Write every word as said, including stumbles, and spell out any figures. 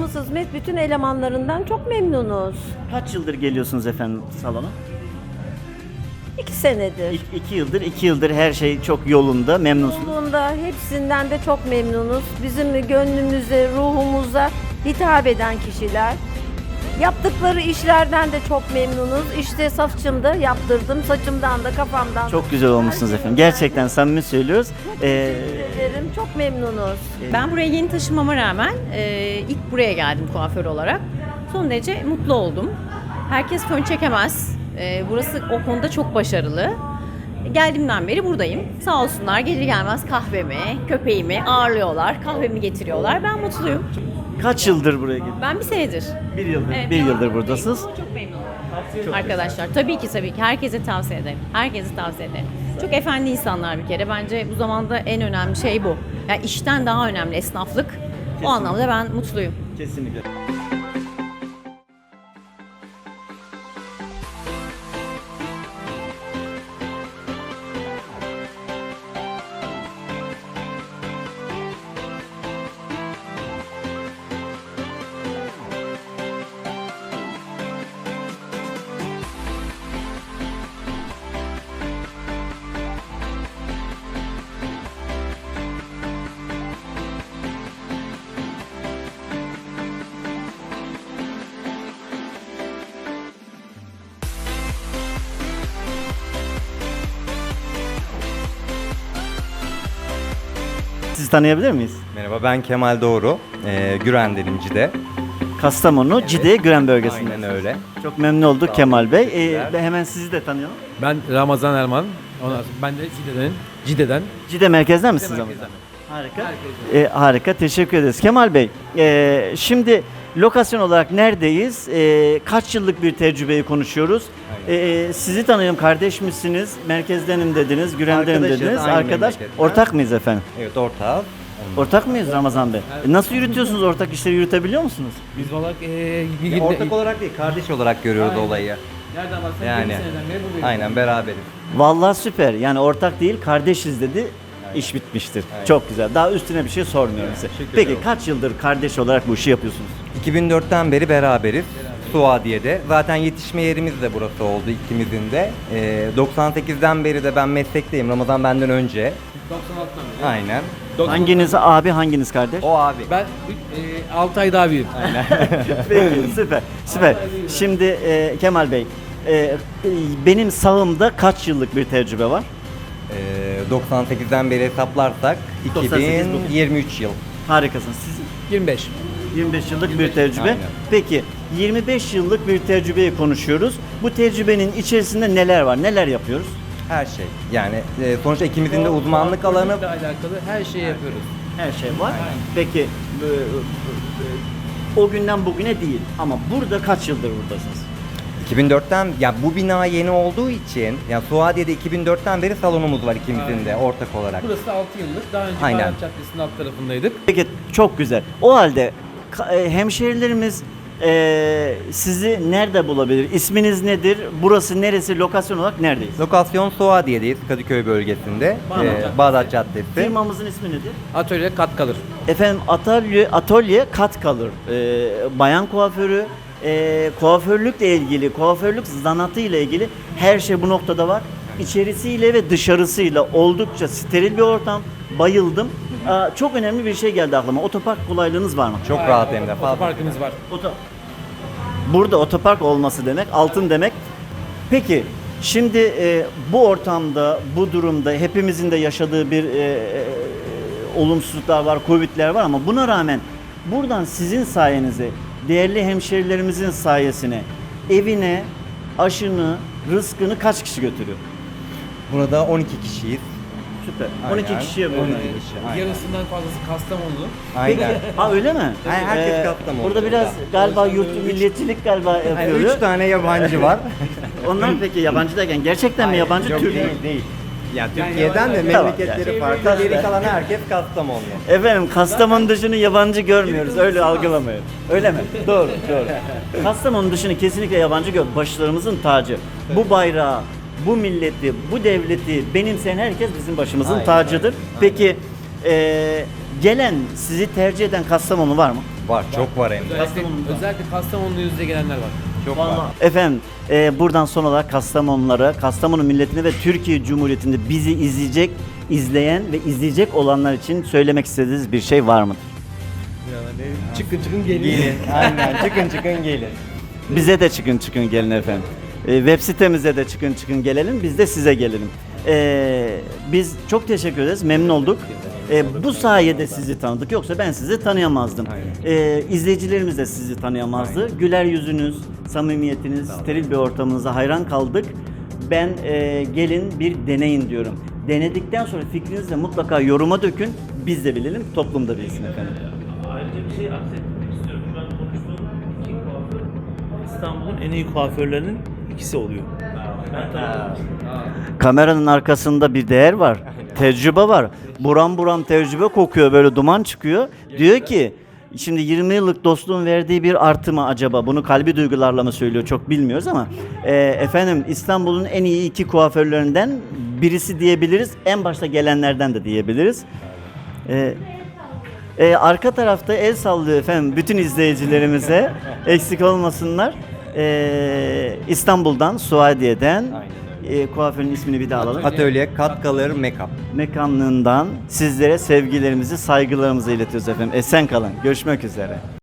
Yaptığımız hizmet bütün elemanlarından çok memnunuz. Kaç yıldır geliyorsunuz efendim salona? İki senedir. İki, iki yıldır, iki yıldır her şey çok yolunda, memnunsunuz. Yolunda hepsinden de çok memnunuz. Bizim gönlümüze, ruhumuza hitap eden kişiler. Yaptıkları işlerden de çok memnunuz. İşte saçımda yaptırdım, saçımdan da kafamdan da. Çok güzel olmuşsunuz efendim. Gerçekten samimi söylüyoruz. Ee, Teşekkür ederim, çok memnunuz. Ben buraya yeni taşınmama rağmen e, ilk buraya geldim kuaför olarak. Son derece mutlu oldum. Herkes fön çekemez. E, burası o konuda çok başarılı. Geldiğimden beri buradayım. Sağ olsunlar gelir gelmez kahvemi, köpeğimi ağırlıyorlar, kahvemi getiriyorlar. Ben mutluyum. kaç yıldır buraya geliyorsunuz? Ben bir senedir. Bir yıldır, Evet, bir devam yıldır ediyorum. buradasınız. Çok memnunum. Arkadaşlar tabii ki tabii ki herkese tavsiye ederim. Herkese tavsiye ederim. Çok efendi insanlar bir kere. Bence bu zamanda en önemli şey bu. Yani işten daha önemli esnaflık. O anlamda ben mutluyum. Kesinlikle. Sizi tanıyabilir miyiz? Merhaba, ben Kemal Doğru. Ee, Güren'denim Cide. Kastamonu, Cide, Güren bölgesinde. Aynen öyle. Çok memnun olduk Sağ olun, Kemal Bey. Ee, teşekkürler. ve hemen sizi de tanıyalım. Ben Ramazan Erman. Ondan sonra ben de Cide'den. Cide'den. Cide merkezden misiniz ama? merkezden. Harika. Ee, harika, teşekkür ederiz. Kemal Bey, e, şimdi lokasyon olarak neredeyiz? E, kaç yıllık bir tecrübeyi konuşuyoruz? E, sizi tanıyorum, kardeş misiniz? Merkezdenim dediniz, Güren'denim Arkadaşız, dediniz. aynı Arkadaş, memleketten. ortak mıyız efendim? Evet, ortağız. Ortak mıyız Ramazan Bey? E, nasıl yürütüyorsunuz, ortak işleri yürütebiliyor musunuz? Biz olarak ee, bir Ya, günde... ortak olarak değil, kardeş olarak görüyoruz Aynen. olayı. Nereden baksan Yani. yedi seneden beri buradayız. Aynen, beraberiz. Vallahi süper. Yani ortak değil, kardeşiz dedi. İş bitmiştir. Aynen. Çok güzel. Daha üstüne bir şey sormuyorum size. Teşekkür Peki ederim. kaç yıldır kardeş olarak bu işi yapıyorsunuz? iki bin dörtten beri beraberiz. Suadiye'de. Zaten yetişme yerimiz de burası oldu ikimizin de. Ee, doksan sekizden beri de ben meslekteyim. Ramazan benden önce. doksan altıdan beri. Aynen. doksan- Hanginiz abi, hanginiz kardeş? O abi. Ben e, altı ay daha büyüğüm. Peki, süper, süper. Şimdi e, Kemal Bey, e, benim sağımda kaç yıllık bir tecrübe var? Ee, doksan sekizden beri hesaplarsak doksan sekiz iki bin yirmi üç yıl. Harikasınız. Siz yirmi beş. yirmi beş yıllık bir tecrübe. Aynen. Peki, yirmi beş yıllık bir tecrübeyi konuşuyoruz. Bu tecrübenin içerisinde neler var? Neler yapıyoruz? Her şey. Yani e, sonuçta ikimizin de uzmanlık alanı Kuaförlükle alakalı her şeyi yapıyoruz. Her şey var. Peki, e, e, o günden bugüne değil ama burada kaç yıldır buradasınız? iki bin dörtten ya bu bina yeni olduğu için ya Suadiye'de iki bin dörtten beri salonumuz var ikimizin de ortak olarak. Burası altı yıllık. Daha önce Aynen. Bayram Caddesi'nin alt tarafındaydık. Peki, çok güzel. O halde ka- e, hemşehrilerimiz e, sizi nerede bulabilir? İsminiz nedir? Burası neresi? Lokasyon olarak neredeyiz? Lokasyon Suadiye'deyiz Kadıköy bölgesinde. Bağdat Ee, Caddesi. Bağdat Caddesi. Firmamızın ismi nedir? Atölye kat kalır. Efendim atölye, atölye kat kalır. Ee, bayan kuaförü, e, kuaförlükle ilgili, kuaförlük zanatıyla ilgili her şey bu noktada var. İçerisiyle ve dışarısıyla oldukça steril bir ortam. Bayıldım. Aa, çok önemli bir şey geldi aklıma. Otopark kolaylığınız var mı? Çok rahat hem de fazla. Otoparkımız var. Oto- Burada otopark olması demek, altın demek. Peki, şimdi e, bu ortamda, bu durumda hepimizin de yaşadığı bir e, e, olumsuzluklar var, Covid'ler var ama buna rağmen buradan sizin sayenize, değerli hemşerilerimizin sayesine evine aşını, rızkını kaç kişi götürüyor? Burada on iki kişiyiz. Süper. Aynen. on iki kişiye böyle. on iki kişi. Aynen. Yarısından fazlası Kastamonlu. Aynen. Ha öyle mi? Her- herkes Ee, Kastamonu. Burada biraz galiba yurt milliyetçilik galiba Yani yapıyor. üç tane yabancı var. Onlar peki yabancı derken gerçekten mi yabancı Yok, Türk mü? değil, değil. Ya Türkiye'den de Tamam, memleketleri yani. farklı. Geri kalan herkes Kastamonlu. Efendim Kastamonu dışını yabancı görmüyoruz. Öyle algılamayın. Öyle mi? Doğru, doğru. Kastamonu dışını kesinlikle yabancı gör. Başlarımızın tacı. Bu bayrağı, bu milleti, bu devleti benimseyen herkes bizim başımızın Aynen, tacıdır. aynen. Peki e, gelen, sizi tercih eden Kastamonu var mı? Var, çok var hem de. Özellikle, özellikle Kastamonu yüzde gelenler var. Çok var. Efendim e, buradan son olarak Kastamonulara, Kastamonu milletine ve Türkiye Cumhuriyeti'nde bizi izleyecek, izleyen ve izleyecek olanlar için söylemek istediğiniz bir şey var mıdır? Yani çıkın çıkın gelin. Gelin, aynen çıkın çıkın gelin. Bize de çıkın çıkın gelin efendim. E, web sitemize de çıkın çıkın gelelim, biz de size gelelim. E, biz çok teşekkür ederiz, memnun olduk. E, bu sayede sizi tanıdık, yoksa ben sizi tanıyamazdım. E, izleyicilerimiz de sizi tanıyamazdı. Güler yüzünüz, samimiyetiniz, steril bir ortamınıza hayran kaldık. Ben e, gelin bir deneyin diyorum. Denedikten sonra fikrinizi de mutlaka yoruma dökün, biz de bilelim, toplum da bilsin efendim. Ayrıca bir şey aksetmek istiyorum. Ben konuştuğum iki kuaför İstanbul'un en iyi kuaförlerinin ikisi oluyor. Ben tanıdım. Kameranın arkasında bir değer var, tecrübe var. Buram buram tecrübe kokuyor, böyle duman çıkıyor. Diyor ki, şimdi yirmi yıllık dostluğun verdiği bir artı mı acaba? Bunu kalbi duygularla mı söylüyor çok bilmiyoruz ama e, efendim İstanbul'un en iyi iki kuaförlerinden birisi diyebiliriz. En başta gelenlerden de diyebiliriz. E, e, arka tarafta el sallıyor efendim bütün izleyicilerimize, eksik olmasınlar. E, İstanbul'dan, Suadiye'den. E, kuaförün ismini bir daha alalım. Atölye Cut Color Makeup. Mekanlığından sizlere sevgilerimizi, saygılarımızı iletiyoruz efendim. Esen kalın. Görüşmek üzere.